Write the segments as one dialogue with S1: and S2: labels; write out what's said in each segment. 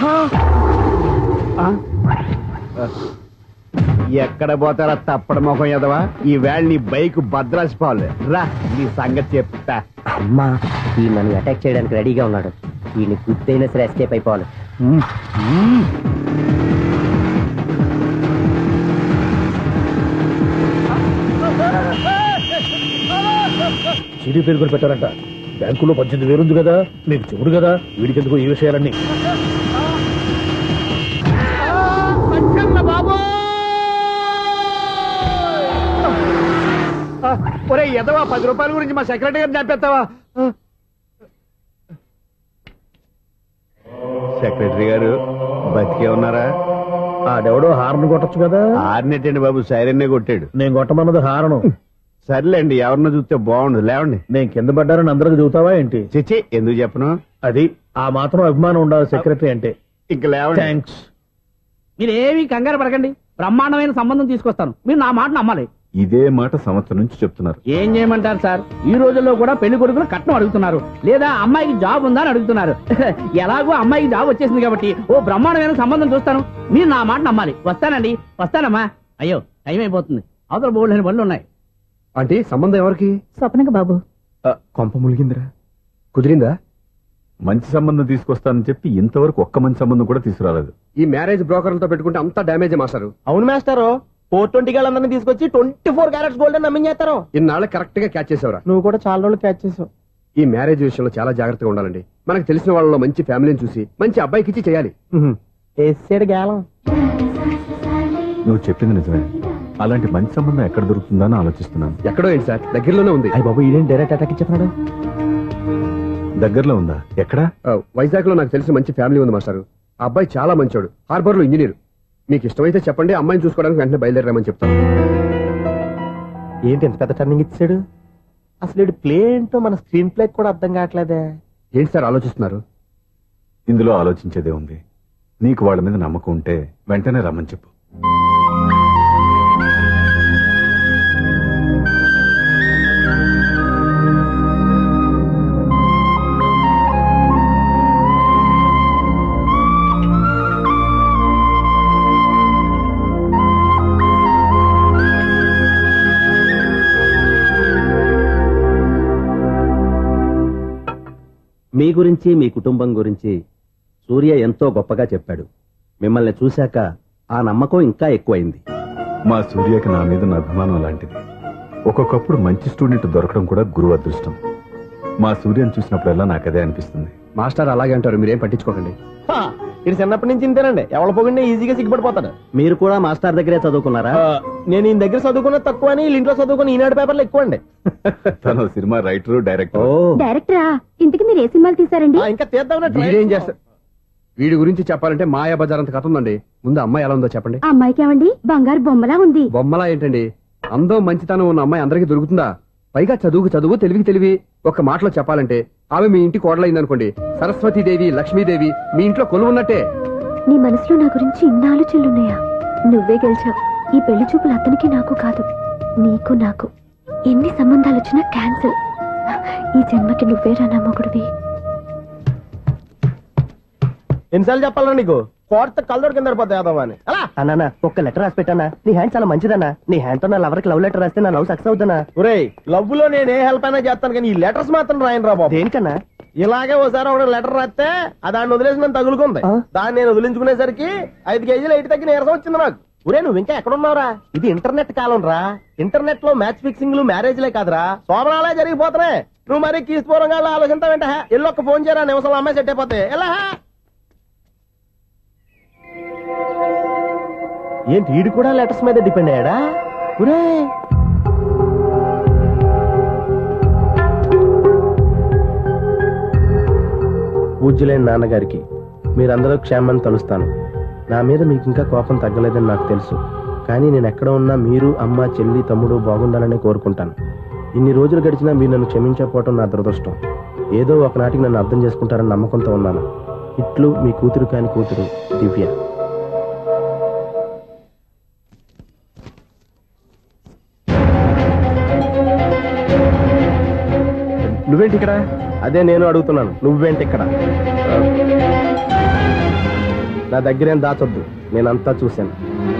S1: ఎక్కడ పోతారా తప్పడ మొహం ఎదవా? ఈ వేళ నీ బైక్ భద్రాసిపోవాలి. రా నీ సంగతి చెప్తా.
S2: అమ్మా ఈ నన్ను అటాక్ చేయడానికి రెడీగా ఉన్నాడు. ఈయన గుర్తైనా సరే ఎస్కేప్ అయిపోవాలి.
S3: సిడీ పేరు కూడా పెట్టారంట. బ్యాంకులో 18,000 ఉంది కదా, మీకు చెబుడు కదా, వీడికెందుకు ఈ విషయాలన్నీ?
S1: ఒరే ఎదవా, 10 రూపాయల గురించి మా సెక్రటరీ గారిని చంపేస్తావా? సెక్రటరీ గారు బతికే ఉన్నారా?
S3: ఆడెవడో హార్న్ కొట్టచ్చు కదా.
S1: హార్నెట్టండి బాబు, సైరన్నే కొట్టాడు.
S3: నేను కొట్టమన్నది హారను.
S1: సర్లేండి, ఎవరినో చూస్తే బాగుండదు. లేవండి.
S3: నేను కింద పడ్డారని అందరికి చూతావా ఏంటి?
S1: చిచ్చి, ఎందుకు చెప్పను?
S3: అది ఆ మాత్రం అభిమానం ఉండాలి సెక్రటరీ అంటే.
S1: ఇంక లేవండి.
S3: థ్యాంక్స్.
S4: మీరేమీ కంగారు పడకండి, బ్రహ్మాండమైన సంబంధం తీసుకొస్తాను. మీరు నా మాట నమ్మాలి.
S5: ఇదే మాట సంవత్సరం నుంచి చెప్తున్నారు.
S4: ఏం చేయమంటారు సార్? ఈ రోజుల్లో కూడా పెళ్లి కొడుకులు కట్నం అడుగుతున్నారు, లేదా అమ్మాయికి జాబ్ ఉందా అని అడుగుతున్నారు. ఎలాగో అమ్మాయికి జాబ్ వచ్చేసింది కాబట్టి ఓ బ్రహ్మాండమైన సంబంధం చూస్తాను. మీరు నా మాట నమ్మాలి. వస్తానండి, వస్తానమ్మా. అయ్యో టైం అయిపోతుంది, అవతల బోల్డని పనులు ఉన్నాయి.
S1: అంటే సంబంధం ఎవరికి?
S6: స్వప్నక బాబు.
S1: కొంప ములిగిందిరా. కుదిరిందా?
S5: మంచి సంబంధం తీసుకొస్తానని చెప్పి ఇంతవరకు ఒక్క మంచి సంబంధం కూడా తీసుకురాలేదు.
S1: ఈ మ్యారేజ్ బ్రోకర్లతో పెట్టుకుంటే అంతా డ్యామేజ్ మాస్టారు.
S2: అవును మాస్టారు, 420 గాళ్ళందరినీ తీసుకొచ్చి 24 క్యారెట్స్ గోల్డ్ అని నమ్మించేస్తారు.
S1: ఇన్నాళ్ళు కరెక్ట్ గా క్యాచ్ చేసావురా.
S2: నువ్వు కూడా చాలా రోజులు క్యాచ్ చేసావు.
S1: ఈ మ్యారేజ్ విషయంలో చాలా జాగ్రత్తగా ఉండాలండి. మనకు తెలిసిన వాళ్ళలో మంచి ఫ్యామిలీని చూసి మంచి అబ్బాయికి ఇచ్చి చేయాలి.
S2: వేసాడు గాలం.
S5: నువ్వు చెప్పింది నిజమే. అలాంటి మంచి సంబంధం ఎక్కడ దొరుకుతుందా అని ఆలోచిస్తున్నాను.
S1: ఎక్కడో ఏంటి సార్, దగ్గరలోనే ఉంది.
S2: అయ్యి బాబు, ఇదేం డైరెక్ట్ అటాక్ ఇచ్చేస్తున్నాడు.
S5: దగ్గరలో ఉందా? ఎక్కడా?
S1: వైజాగ్ లో నాకు తెలిసిన మంచి ఫ్యామిలీ ఉంది మాస్టారు. ఆ అబ్బాయి చాలా మంచోడు, హార్బర్ లో ఇంజనీర్. మీకు ఇష్టమైతే చెప్పండి, అమ్మాయిని చూసుకోవడానికి వెంటనే బయలుదేరామని చెప్తాను.
S2: ఏంటి ఎంత పెద్ద టర్నింగ్ ఇచ్చాడు? అసలు ఇటు ప్లే ఏంటో మన స్క్రీన్ ప్లే కూడా అర్థం కావట్లేదే.
S1: ఏంటి సార్ ఆలోచిస్తున్నారు?
S5: ఇందులో ఆలోచించేదే ఉంది. నీకు వాళ్ళ మీద నమ్మకం ఉంటే వెంటనే రమ్మని చెప్పు.
S7: మీ గురించి, మీ కుటుంబం గురించి సూర్య ఎంతో గొప్పగా చెప్పాడు. మిమ్మల్ని చూశాక ఆ నమ్మకం ఇంకా ఎక్కువైంది.
S5: మా సూర్యకి నా మీద నా అభిమానం లాంటిది. ఒక్కొక్కప్పుడు మంచి స్టూడెంట్ దొరకడం కూడా గురువు అదృష్టం. మా సూర్యని చూసినప్పుడల్లా నాకు అదే అనిపిస్తుంది.
S1: మాస్టర్ అలాగే అంటారు, మీరేం పట్టించుకోకండి.
S2: ఇది చిన్నప్పటి నుంచి ఇంతేనండి, ఎవరి పోకుండా ఈజీగా సిగ్గుపడిపోతాడు.
S7: మీరు కూడా మాస్టర్ దగ్గరే చదువుకున్నారా?
S2: నేను ఈయన దగ్గర చదువుకున్నది తక్కువ అని ఇంట్లో చదువుకుని ఈనాడు పేపర్లు ఎక్కువ అండి.
S5: తను సినిమా రైటరు, డైరెక్టర్.
S6: డైరెక్టరా? ఇంతకు మీరు ఏ సినిమాలు తీసారండి?
S2: ఇంకా తీద్దామని.
S1: వీడేం చేస్తారు? వీడి గురించి చెప్పాలంటే మాయా బజార్ అంత కథ ఉందండి. ముందు అమ్మాయి ఎలా ఉందో చెప్పండి.
S6: ఆ అమ్మాయికి ఏమండి బంగారు బొమ్మలా ఉంది.
S1: బొమ్మలా ఏంటండి? అందం మంచితనం ఉన్న అమ్మాయి అందరికీ దొరుకుతుందా? పైగా చదువుకు చదువు, తెలివికి తెలివి. ఒక మాటలో చెప్పాలంటే ఆమె మీ ఇంటి కోడలైందనుకోండి, సరస్వతీదేవి, లక్ష్మీదేవి మీ ఇంట్లో కొలువు ఉన్నట్టే.
S6: నీ మనసులో నా గురించి ఇన్ని ఆలోచనలున్నాయా? నువ్వే గెలిచావు. ఈ పెళ్లి చూపులు అతనికి నాకు కాదు, నీకు నాకు. ఎన్ని సంబంధాలు వచ్చినా క్యాన్సిల్. ఈ జన్మకి నువ్వేరా నా మొగుడివి.
S2: ఎన్నిసార్లు చెప్పాలన్నా నీకు? కోర్త కల్లోడు కింద పడిపోతాయి అన్నా. ఒక్క లెటర్ రాసి పెట్టానా? నీ హ్యాండ్ చాలా మంచిదన్నా. నీ హ్యాండ్ తో నా లవర్ కి లవ్ లెటర్ రాస్తే నా లవ్ సక్సెస్ అవుతానా? ఒరే, లవ్ లో నేను ఏ హెల్ప్ అయినా చేస్తాను, కానీ ఈ లెటర్స్ మాత్రం రాయను రా బాబు. దేనికన్నా? ఇలాగే ఓసారి ఒక లెటర్ రాస్తే దాన్ని వదిలేసి నన్ను తగులుకుంది. దాన్ని నేను వదిలించుకునేసరికి 5 కేజీలు 8 తగ్గి నీరసం వచ్చింది నాకు. ఒరే, నువ్వు ఇంకా ఎక్కడున్నావురా? ఇది ఇంటర్నెట్ కాలం రా. ఇంటర్నెట్ లో మ్యాచ్ ఫిక్సింగ్లు, మ్యారేజ్లే కాదురా, శోభనాలే జరిగిపోతున్నాయి. నువ్వు మరి కీస్పూరంగా ఆలోచిస్తావేంట? ఎల్లొక్క ఫోన్ చేయరా, నిమిషంలో అమ్మాయి సెట్ అయిపోతాయి. ఎలా ఏంటి వీడు కూడా లెటర్స్ మీద డిపెండ్ అయ్యాడా? ఒరే, పూజ్యులైన నాన్నగారికి మీరందరూ క్షేమాన్ని తలుస్తాను. నా మీద మీకు ఇంకా కోపం తగ్గలేదని నాకు తెలుసు, కానీ నేను ఎక్కడ ఉన్నా మీరు, అమ్మ, చెల్లి, తమ్ముడు బాగుండాలని కోరుకుంటాను. ఇన్ని రోజులు గడిచినా మీరు నన్ను క్షమించకపోవటం నా దురదృష్టం. ఏదో ఒకనాటికి నన్ను అర్థం చేసుకుంటారని నమ్మకంతో ఉన్నాను. ఇట్లు మీ కూతురు కాని కూతురు దివ్య. నువ్వేంటి ఇక్కడ? అదే నేను అడుగుతున్నాను, నువ్వేంటి ఇక్కడ? నా దగ్గరేం దాచొద్దు, నేనంతా చూశాను.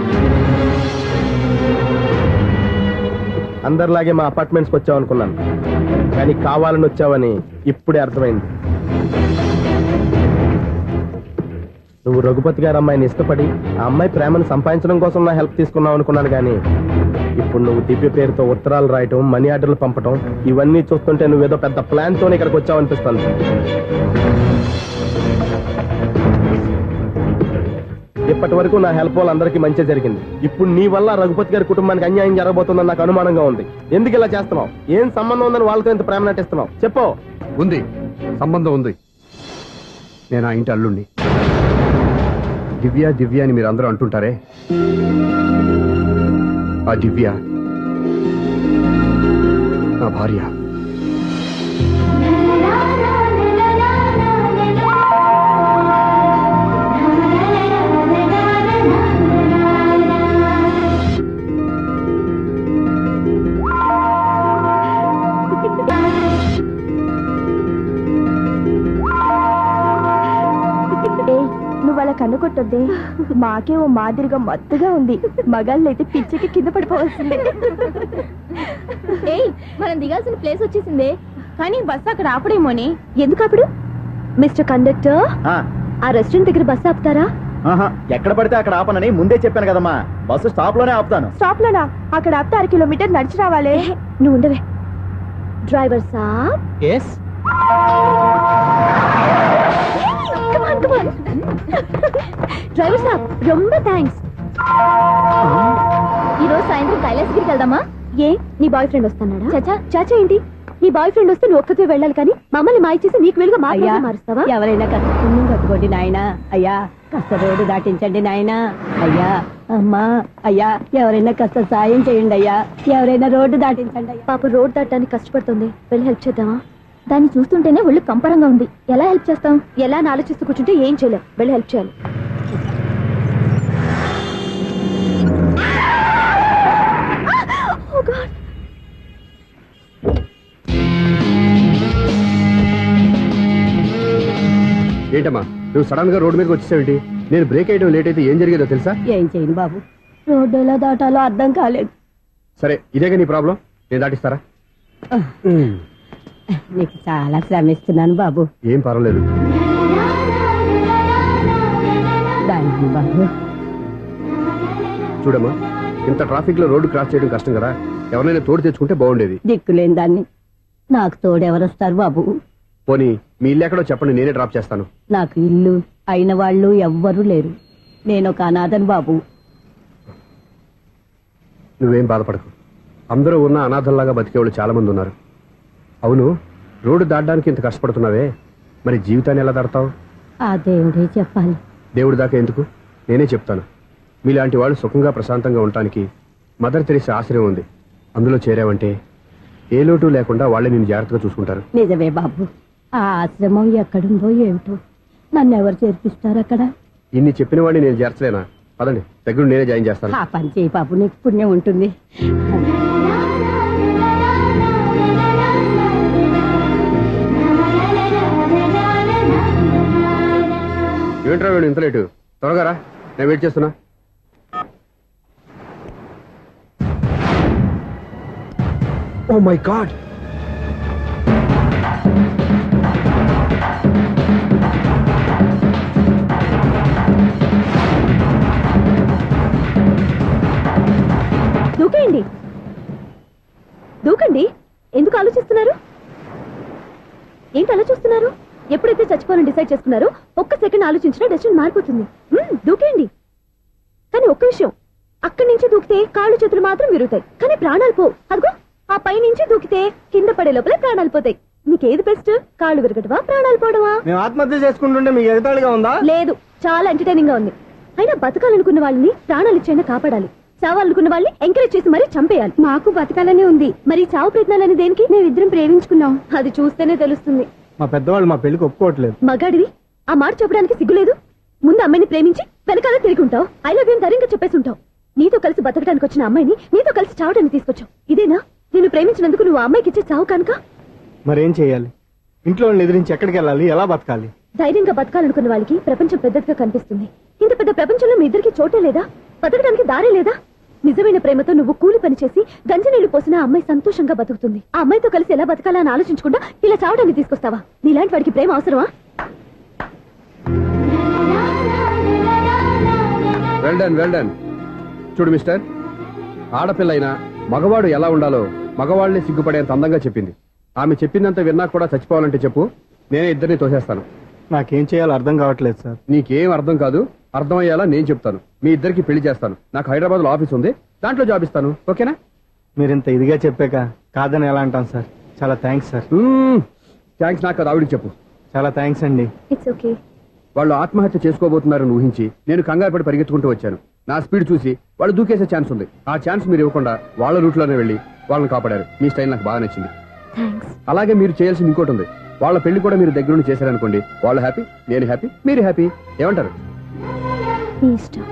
S2: అందరిలాగే మా అపార్ట్మెంట్స్కి వచ్చావు అనుకున్నాను, కానీ కావాలని వచ్చావని ఇప్పుడే అర్థమైంది. నువ్వు రఘుపతి గారు అమ్మాయిని ఇష్టపడి ఆ అమ్మాయి ప్రేమను సంపాదించడం కోసం నా హెల్ప్ తీసుకున్నావు అనుకున్నాను, కానీ ఇప్పుడు నువ్వు దివ్య పేరుతో ఉత్తరాలు రాయటం, మనీ ఆర్డర్లు పంపటం, ఇవన్నీ చూస్తుంటే నువ్వేదో పెద్ద ప్లాన్ తోనే ఇక్కడికి వచ్చావు అనిపిస్తుంది. ఇప్పటి వరకు నా హెల్ప్ వాళ్ళందరికీ మంచి జరిగింది. ఇప్పుడు నీ వల్ల రఘుపతి గారి కుటుంబానికి అన్యాయం జరగబోతుందని నాకు అనుమానంగా ఉంది. ఎందుకు ఇలా చేస్తున్నావు? ఏం సంబంధం ఉందని వాళ్ళతో ఇంత ప్రేమ నటిస్తున్నావు? చెప్పు.
S1: ఉంది, సంబంధం ఉంది. నేను ఆ ఇంటి అల్లుణ్ణి. దివ్య దివ్య అని మీరు అందరూ అంటుంటారే, ఆ దివ్య నా భార్య.
S6: నువ్వు అలా కన్నుకొట్టొద్దే, మాకే ఓ మాదిరిగా మత్తుగా ఉంది. మగాళ్ళైతే పిచ్చికి కింద పడిపోవాల్సిందే. ఏయ్, మనం దిగాల్సిన ప్లేస్ వచ్చేసిందే, కానీ బస్సు అక్కడ ఆపడేమోని. ఎందుకు ఆపడు? మిస్టర్ కండక్టర్, ఆ రెస్టారెంట్ దగ్గర బస్సు ఆపుతారా?
S2: ఎక్కడ పడితే అక్కడ ఆపనని ముందే చెప్పాను కదమ్మా. బస్సు స్టాప్ లోనే ఆపుతాను.
S6: స్టాప్ లోనా? అక్కడ ఆపితే 6 కిలోమీటర్ నడిచి రావాలి. నువ్వు ఉండవే. డ్రైవర్ సాబ్.
S2: ఎస్.
S6: డ్రైవర్ సాబ్, రొంబ థ్యాంక్స్. ఈ రోజు సాయంత్రం కైలాసగిరికి వెళ్దామా? ఏ, నీ బాయ్ ఫ్రెండ్ వస్తున్నాడా? చాచా చాచా ఏంటి? నీ బాయ్ ఫ్రెండ్ వస్తే నువ్వు ఒక్కతే వెళ్ళాలి, కానీ మమ్మల్ని మాయ చేసి నీకు వెలుగా మారుస్తావా?
S8: ఎవరైనా కాస్త పుణ్యం కట్టుకోండి నాయనా. అయ్యా కాస్త రోడ్డు దాటించండి నాయనా. అయ్యా, అమ్మా, అయ్యా ఎవరైనా కాస్త సాయం చేయండి అయ్యా. ఎవరైనా రోడ్డు దాటించండి అయ్యా.
S6: పాప రోడ్ దాటడానికి కష్టపడుతుంది, వెళ్ళి హెల్ప్ చేద్దామా? దాన్ని చూస్తుంటేనే ఒళ్ళు కంపరంగా ఉంది. ఎలా హెల్ప్ చేస్తాం? ఎలా అని ఆలోచిస్తూ కూర్చుంటే ఏం చేయలేం. వెళ్ళి హెల్ప్ చేయాలి.
S1: ఏంటమ్మా నువ్వు సడన్ గా రోడ్డు మీదకి వచ్చేసావేంటి? నేను బ్రేక్ అయ్యడం లేట్ అయితే ఏం జరిగేదో తెలుసా?
S8: ఏం చేయను బాబు, రోడ్డు ఎలా దాటాలో అర్థం కాలేదు.
S1: సరే, ఇదేగా నీ ప్రాబ్లం, నేను దాటిస్తారా?
S8: నీకు చాలా శ్రమిస్తున్నాను బాబు.
S1: ఏం పర్వాలేదు.
S8: దానికి బాబు
S1: చూడమ్మా, ఇంత ట్రాఫిక్ లో రోడ్డు క్రాస్ చేయడం కష్టం కదా, ఎవరైనా తోడు తెచ్చుకుంటే బాగుండేది.
S8: దిక్కులేని దాన్ని నాకు తోడెవరొస్తారు బాబు?
S1: పోనీ మీ ఇల్లు ఎక్కడో చెప్పండి, నేనే డ్రాప్ చేస్తాను.
S8: నాకు ఇల్లు అయిన వాళ్ళు ఎవ్వరూ లేరు. నేను ఒక అనాథను బాబు.
S1: నువ్వేం బాధపడకు, అందరూ ఉన్న అనాథల్లాగా బతికేవాళ్ళు చాలా మంది ఉన్నారు. అవును, రోడ్డు దాటడానికి ఇంత కష్టపడుతున్నావే, మరి జీవితాన్ని ఎలా దాడతావు?
S8: ఆ దేవుడే చెప్పాలి.
S1: దేవుడి దాకా ఎందుకు, నేనే చెప్తాను. మీలాంటి వాళ్ళు సుఖంగా ప్రశాంతంగా ఉండటానికి మదర్ తెరీసా ఆశ్రయం ఉంది. అందులో చేరావంటే ఏ లోటు లేకుండా వాళ్ళే నేను జాగ్రత్తగా చూసుకుంటారు.
S8: నిజమే బాబు, ఆ ఆశ్రమం ఎక్కడుందో ఏమిటో, నన్ను ఎవరు చేర్పిస్తారు అక్కడ?
S1: ఇన్ని చెప్పిన వాడిని నేను చేర్చలేనా? పదండి, దగ్గర నేనే జాయిన్ చేస్తాను.
S8: ఆ పని చేయి బాబు, నీకు పుణ్యం ఉంటుంది.
S1: ఏంట్రా వీడు ఇంత లేటు? త్వరగా రా, నేను వెయిట్ చేస్తున్నా. ఓ మై గాడ్,
S6: దూకేయండి, దూకండి. ఎందుకు ఆలోచిస్తున్నారు? ఏంటి అలా చూస్తున్నారు? ఎప్పుడైతే చచ్చిపోవాలని డిసైడ్ చేసుకున్నారో ఒక్క సెకండ్ ఆలోచించినా డెసిషన్ మారిపోతుంది. దూకేయండి. కానీ ఒక్క విషయం, అక్కడి నుంచి దూకితే కాళ్ళు చేతులు మాత్రం విరుగుతాయి, కానీ ప్రాణాలు పోవు. అదిగో ఆ పై నుంచి దూకితే కింద పడే లోపలే ప్రాణాలు పోతాయి. నీకేది బెస్ట్? కాళ్ళు విరగటవా, ప్రాణాలు పోవడమా?
S2: మేము ఆత్మహత్య చేసుకుంటుంటే మీకు ఎగతాళిగా ఉందా?
S6: లేదు, చాలా ఎంటర్టైనింగ్ గా ఉంది. అయినా బతకాలనుకున్న వాళ్ళని ప్రాణాలు ఇచ్చైనా కాపాడాలి. చావాలనుకున్న వాళ్ళని ఎంకరేజ్ చేసి మరీ చంపేయాలి. మాకు బతకాలనే ఉంది, మరి చావు ప్రయత్నాలని దేనికి? మేమిద్దరం ప్రేమించుకున్నాం, అది చూస్తేనే తెలుస్తుంది.
S2: మా పెద్దవాళ్ళు మా పెళ్లికి ఒప్పుకోవట్లేదు.
S6: మగాడివి ఆ మాట చెప్పడానికి సిగ్గులేదు? ముందు అమ్మాయిని ప్రేమించి వెనకాల తిరిగి ఉంటావు, ఐ లవ్ యూ ధైర్యంగా చెప్పేసి ఉంటావు. నీతో కలిసి బతకడానికి వచ్చిన అమ్మాయిని నీతో కలిసి చావడానికి తీసుకొచ్చావు. ఇదేనా నేను ప్రేమించినందుకు నువ్వు ఆ అమ్మాయికి ఇచ్చే చావు కనుక?
S2: మరేం చేయాలి? ఇంట్లో వాళ్ళని ఎదిరించి ఎక్కడికి వెళ్ళాలి? ఎలా బతకాలి?
S6: ధైర్యంగా బతకాలనుకున్న వాళ్ళకి ప్రపంచం పెద్దదిగా కనిపిస్తుంది. ఇంత పెద్ద ప్రపంచంలో మీ ఇద్దరికి చోటే లేదా? బతకడానికి దారే లేదా? నిజమైన ప్రేమతో నువ్వు కూలి పని చేసి గంజనీళ్లు పోసిన ఆ అమ్మాయి సంతోషంగా బతుకుతుంది. ఆ అమ్మాయితో కలిసి ఎలా బతకాలా అని ఆలోచించకుండా ఇలా చావడానికి తీసుకొస్తావా? నీలాంటి వాడికి ప్రేమ అవసరమా?
S1: Well done. చూడు మిస్టర్, ఆడపిల్ల అయినా మగవాడు ఎలా ఉండాలో మగవాళ్ళని సిగ్గుపడేంత అందంగా చెప్పింది. ఆమె చెప్పిందంత విన్నా కూడా చచ్చిపోవాలంటే చెప్పు, నేనే ఇద్దరిని తోసేస్తాను.
S2: నాకేం చేయాలో అర్థం కావట్లేదు సార్.
S1: నీకేం అర్థం కాదు, అర్థమయ్యేలా నేను చెప్తాను. మీ ఇద్దరికి పెళ్లి చేస్తాను. నాకు హైదరాబాద్ లో ఆఫీస్ ఉంది, దాంట్లో జాబ్ ఇస్తాను. ఓకేనా?
S2: మీరు ఇంత ఇదిగా చెప్పాక కాదని ఎలా అంటాం సార్? చాలా థ్యాంక్స్ సార్.
S1: థ్యాంక్స్ నాకు కాదు, ఆవిడికి చెప్పు.
S2: చాలా థ్యాంక్స్ అండి.
S6: It's okay.
S1: వాళ్ళు ఆత్మహత్య చేసుకోబోతున్నారని ఊహించి నేను కంగారు పడి పరిగెత్తుకుంటూ వచ్చాను. నా స్పీడ్ చూసి వాళ్ళు దూకేసే ఛాన్స్ ఉంది. ఆ ఛాన్స్ మీరు ఇవ్వకుండా వాళ్ళ రూట్లోనే వెళ్ళి వాళ్ళని కాపాడారు. మీ స్టైల్ నాకు బాగా నచ్చింది.
S6: థ్యాంక్స్.
S1: అలాగే మీరు చేయాల్సింది ఇంకోటి ఉంది. వాళ్ళ పెళ్లి కూడా మీరు దగ్గరుండి చేశారనుకోండి, వాళ్ళు హ్యాపీ, నేను హ్యాపీ, మీరు హ్యాపీ. ఏమంటారు?
S6: మీ ఇష్టం.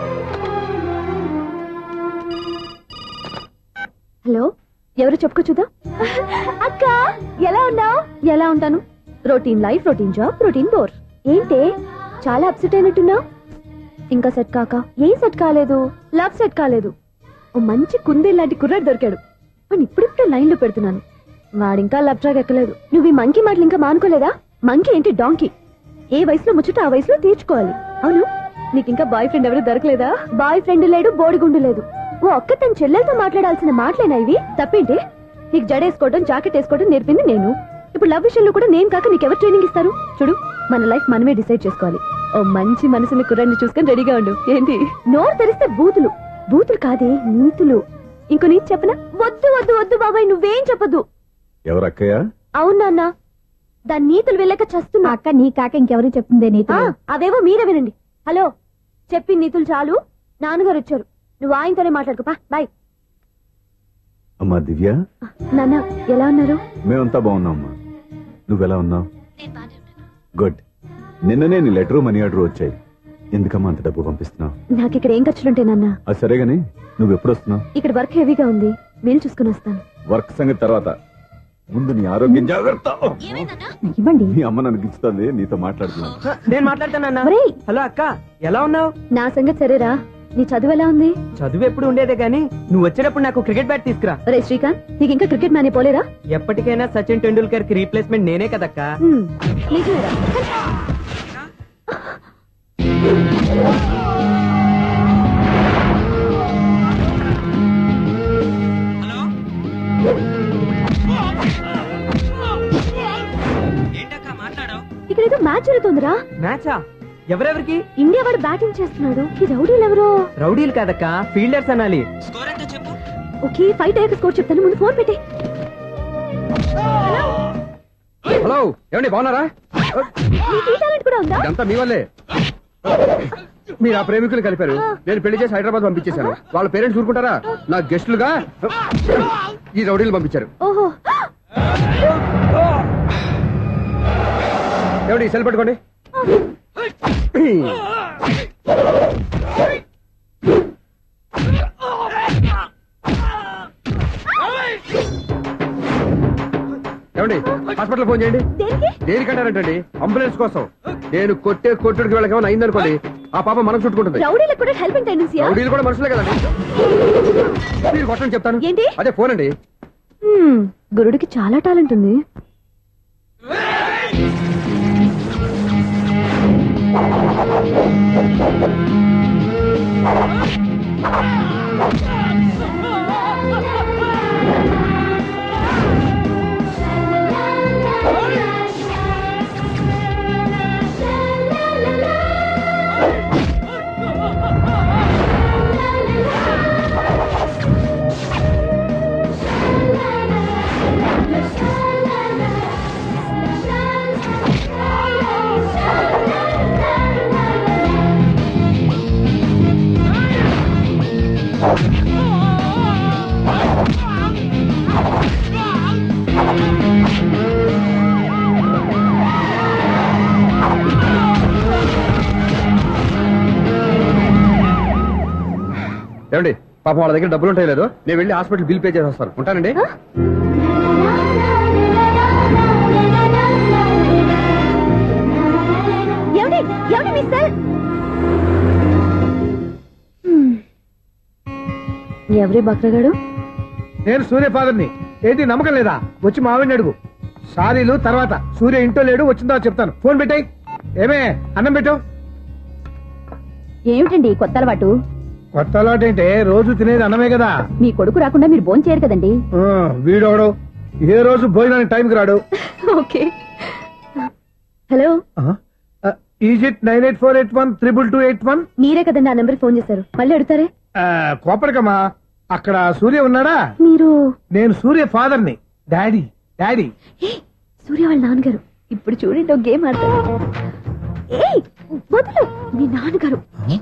S6: హలో, ఎవరు చెప్పుకో చూద్దాం. అక్క ఎలా ఉన్నావు? ఎలా ఉంటాను? Routine life, routine job, routine bore. ఏంటే చాలా అప్సెట్ అయినట్టున్నావు? ఇంకా సెట్ కాక? ఏం సెట్ కాలేదు? లవ్ సెట్ కాలేదు. ఓ మంచి కుందే లాంటి కుర్రాడు దొరికాడు. వాడిని ఇప్పుడిప్పుడే లైన్ లో పెడుతున్నాను. వాడింకా లవ్ ట్రాక్ ఎక్కలేదు. నువ్వు ఈ మంకీ మాటలు ఇంకా మానుకోలేదా? మంకీ ఏంటి డాంకీ. ఏ వయసులో ముచ్చట ఆ వయసులో తీర్చుకోవాలి. అవును, నీకు ఇంకా బాయ్ ఫ్రెండ్ ఎవరు దొరకలేదా? బాయ్ ఫ్రెండ్ లేడు, బోడిగుండు లేదు. ఓ అక్క తన చెల్లెలతో మాట్లాడాల్సిన మాటలేనా ఇవి? తప్పేంటి? నీకు జడేసుకోవడం, జాకెట్ వేసుకోవడం నేర్పింది నేను. ఇప్పుడు లవ్ విషయంలో కూడా నేను కాక నీకెవరు ట్రైనింగ్ ఇస్తారు? చూడు, మన లైఫ్ మనమే డిసైడ్ చేసుకోవాలి. ఓ మంచి మనసుని కుర్రాన్ని చూసుకొని రెడీగా ఉండు. ఏంటి నోరు తెరిస్తే బూతులు? బూతులు కాదే, నీతులు. ఇంకో నీతి చెప్పనా? వద్దు వద్దు వద్దు బాబాయ్, నువ్వేం చెప్పద్దు.
S5: ఎవరక్కయ్య?
S6: అవునా అన్న, దాని నీతులు వెళ్ళాక చస్తున్నా. అక్క నీ కాక ఇంకెవరు చెప్తుందే నీతులు? అవేవో మీరే వినండి. హలో, చెప్పి నీతులు చాలు. నాన్నగారు వచ్చారు, నువ్వు ఆయనతోనే మాట్లాడుకోపా. బాయ్.
S5: అమ్మా దివ్య,
S6: నాన్న ఎలా ఉన్నారు?
S5: మేమంతా బాగున్నాం అమ్మా. నువ్వెలా ఉన్నావు? గుడ్. నిన్ననే నీ లెటరు మనీ ఆర్డర్ వచ్చాయి. ఎందుకమ్మా అంత డబ్బు పంపిస్తున్నావు?
S6: నాకు ఇక్కడ ఏం ఖర్చులుంటాయి నాన్న.
S5: అది సరే గానీ నువ్వు ఎప్పుడు వస్తున్నావు?
S6: ఇక్కడ వర్క్ హెవీగా ఉంది, వీలు చూసుకుని వస్తాను.
S5: వర్క్ సంగతి తర్వాత, ముందు నీ ఆరోగ్యం జాగ్రత్త.
S6: ఇవ్వండి.
S5: మీ అమ్మ నన్ను గిచ్చుతుంది, నీతో మాట్లాడుతున్నాను.
S2: నేను మాట్లాడతానన్నా.
S6: ఒరేయ్,
S2: హలో అక్క, ఎలా ఉన్నావు?
S6: నా సంగతి సరేరా, నీ చదువు ఎలా ఉంది?
S2: చదువు ఎప్పుడు ఉండేదే గానీ నువ్వు వచ్చేటప్పుడు నాకు క్రికెట్ బ్యాట్ తీసుకురా.
S6: ఒరే శ్రీకాంత్, నీకు ఇంకా క్రికెట్ మ్యానే పోలేరా?
S2: ఎప్పటికైనా సచిన్ టెండూల్కర్ కి రీప్లేస్మెంట్ నేనే కదక్క.
S6: నిజమేరా? ఇక్కడ ఏదో మ్యాచ్ జరుగుతుందిరా.
S2: మ్యాచా? ఎవరెవరికి?
S6: ఇండియా వాడు బ్యాటింగ్ చేస్తున్నాడు. ఈ రౌడీలు ఎవరో?
S2: రౌడీలు కాదక్క, ఫీల్డర్స్ అనాలి.
S6: ఓకే, ఫైట్ అయ్యాక స్కోర్ చెప్తాను, ముందు ఫోన్ పెట్టే.
S1: హలో, ఏమండి బాగున్నారా?
S6: నీకు ఈ టాలెంట్ కూడా ఉందా?
S1: ఇదంతా మీ వల్లే. మీరు ఆ ప్రేమికులు కలిపారు, నేను పెళ్లి చేసి హైదరాబాద్ పంపించేశాను. వాళ్ళ పేరెంట్స్ ఊరుకుంటారా? నా గెస్టులుగా ఈ రౌడీలు పంపించారు.
S6: ఓహో,
S1: ఏమండి సెల్ పట్టుకోండి. ఏమండి హాస్పిటల్ ఫోన్ చేయండి.
S6: దేనికి?
S1: దేనికంటారంటండి? అంబులెన్స్ కోసం. నేను కొట్టుడికి వాళ్ళకి ఏమైనా అయిందనుకోండి, ఆ పాప మనం చుట్టుకుంటుంది.
S6: రౌడీలకు కూడా హెల్పింగ్ టెండెన్సీ.
S1: రౌడీలు కూడా మనుషులే కదండి. మీరు కొట్టని చెప్తాను.
S6: ఏంటి?
S1: అదే ఫోన్ అండి.
S6: గురుడికి చాలా టాలెంట్ ఉంది.
S1: ఏమండి పాపం వాళ్ళ దగ్గర డబ్బులు ఉంటాయి లేదో, నేను వెళ్ళి హాస్పిటల్ బిల్ పే చేసి వస్తాను. ఉంటానండి.
S6: ఎవడి మీ సెల్? ఎవరి బక్రగాడు?
S3: నేను సూర్య ఫాదర్ని. ఏంటి నమ్మకం లేదా? వచ్చి మావిని అడుగు. సారీలు తర్వాత. సూర్య ఇంట్లో లేడు, వచ్చిందో చెప్తాను. ఫోన్ పెట్టాయి. ఏమే అన్నం పెట్టు.
S6: ఏమిటండి కొత్త అలవాటు?
S3: కొత్త అలవాటు ఏంటే? రోజు తినేది అన్నమే కదా.
S6: మీ కొడుకు రాకుండా మీరు భోజనం చేయరు కదండి.
S3: వీడోడు ఏ రోజు భోజనానికి టైంకి రాడు.
S6: ఓకే. Hello,
S3: is it 9848132281.
S6: మీరే కదండి ఆ నెంబర్ ఫోన్ చేశారు, మళ్ళీ అడుగుతారే?
S3: కోపడకమ్మా. అక్కడ సూర్య ఉన్నాడా?
S6: మీరు?
S3: నేను సూర్య ఫాదర్ని. Daddy daddy.
S6: సూర్య వాళ్ళ నాన్నగారు. ఇప్పుడు చూడండి ఒక గేమ్ ఆడతారు. ఏయ్, వదులు. మీ నాన్నగారు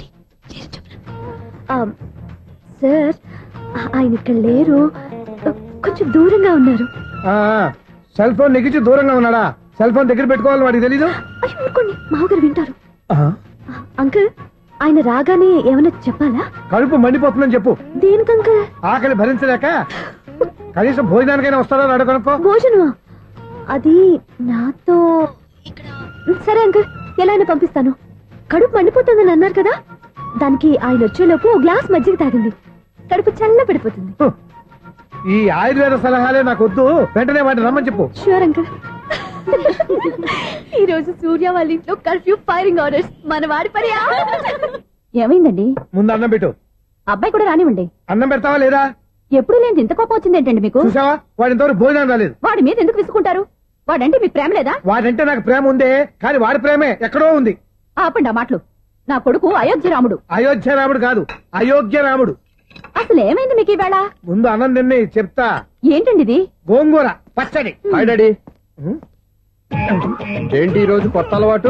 S6: సార్, ఆయన ఇక్కడ లేరు, కొంచెం దూరంగా ఉన్నారు.
S3: సెల్ ఫోన్ నెగ్గించి దూరంగా ఉన్నాడా? సెల్ ఫోన్ దగ్గర పెట్టుకోవాలని వాడికి తెలీదు.
S6: అయ్యో ఊరుకోండి, మామగారు వింటారు. అంకుల్, ఆయన రాగానే ఏమైనా చెప్పాలా?
S3: కడుపు మండిపోతుందని చెప్పు.
S6: దేనికి అంకుల్?
S3: ఆకలి భరించలేక కనీసం భోజనానికైనా వస్తాడో అడగనుకో.
S6: భోజనమా? అది నాతో ఇక్కడ. సరే అంకుల్, ఎలా అయినా పంపిస్తాను. కడుపు మండిపోతుందని అన్నారు కదా, దానికి ఆయన వచ్చేలోపు ఓ గ్లాస్ మజ్జిగ తాగింది, కడుపు చల్ల పడిపోతుంది.
S3: ఈ ఆయుర్వేద సలహాలే నాకు వద్దు. వెంటనే వాటిని రమ్మని చెప్పు.
S6: Sure uncle. ఈ రోజు సూర్య వాళ్ళ ఇంట్లో కర్ఫ్యూ ఫైరింగ్ ఆర్డర్స్. మన వాడి పని. ఏమైందండి?
S3: ముందు అన్నం పెట్టు.
S6: అబ్బాయి కూడా రానివ్వండి.
S3: అన్నం పెడతావా లేదా?
S6: ఎప్పుడు లేని ఇంత కోపం వచ్చింది ఏంటండి మీకు?
S3: చూసావా, వాడి ఇంతవరకు భోజనం రాలేదు.
S6: వాడి మీద ఎందుకు విసుకుంటారు? వాడంటే మీకు ప్రేమ లేదా?
S3: వాడంటే నాకు ప్రేమ ఉందే, కానీ వాడి ప్రేమే ఎక్కడో ఉంది.
S6: ఆపండి ఆ మాటలు. నా కొడుకు అయోధ్య రాముడు.
S3: అయోధ్య రాముడు కాదు, అయోగ్య రాముడు.
S6: అసలు ఏమైంది మీకు ఈవేళ?
S3: ముందు అన్నం తిని చెప్తా.
S6: ఏంటండి ఇది?
S3: గోంగూర పచ్చడి.
S1: Hi daddy. ఏంటి ఈ రోజు కొత్త అలవాటు?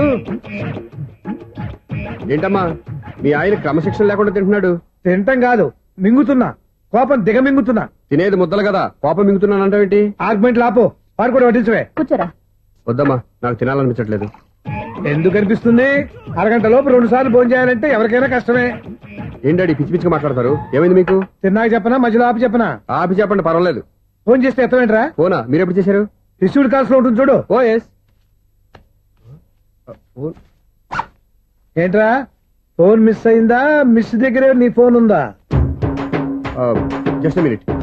S1: ఏంటమ్మా, మీ ఆయన క్రమశిక్షణ లేకుండా తింటున్నాడు?
S3: తింటం కాదు, మింగుతున్నా. కోపం దిగమింగుతున్నా.
S1: తినేది ముద్దలు కదా, కోపం మింగుతున్నానంటావేంటి?
S3: ఆర్గ్మెంట్ లాపో. వాడు కూడా వడ్డించవే.
S6: కూర్చోరా.
S1: వద్దమ్మా, నాకు తినాలనిపించట్లేదు.
S3: ఎందుకు అనిపిస్తుంది? అరగంట లోపు 2 సార్లు భోజనం చేయాలంటే ఎవరికైనా కష్టమే.
S1: ఏంటి డాడీ పిచ్చి పిచ్చిగా మాట్లాడతారు? ఏమైంది మీకు?
S3: తిన్నాక చెప్పనా, మధ్యలో ఆపి చెప్పనా?
S1: ఆపి చెప్పండి, పర్వాలేదు.
S3: ఫోన్ చేస్తే ఎత్తమేంట్రా?
S1: ఫోనా? మీరు ఎప్పుడు చేశారు?
S3: రిసీవ్డ్ కాల్స్ లో ఉంటుంది చూడు.
S1: Oh yes.
S3: ఏంట్రా, ఫోన్ మిస్ అయిందా? మిస్ దగ్గరే నీ ఫోన్ ఉందా?
S1: Just minute.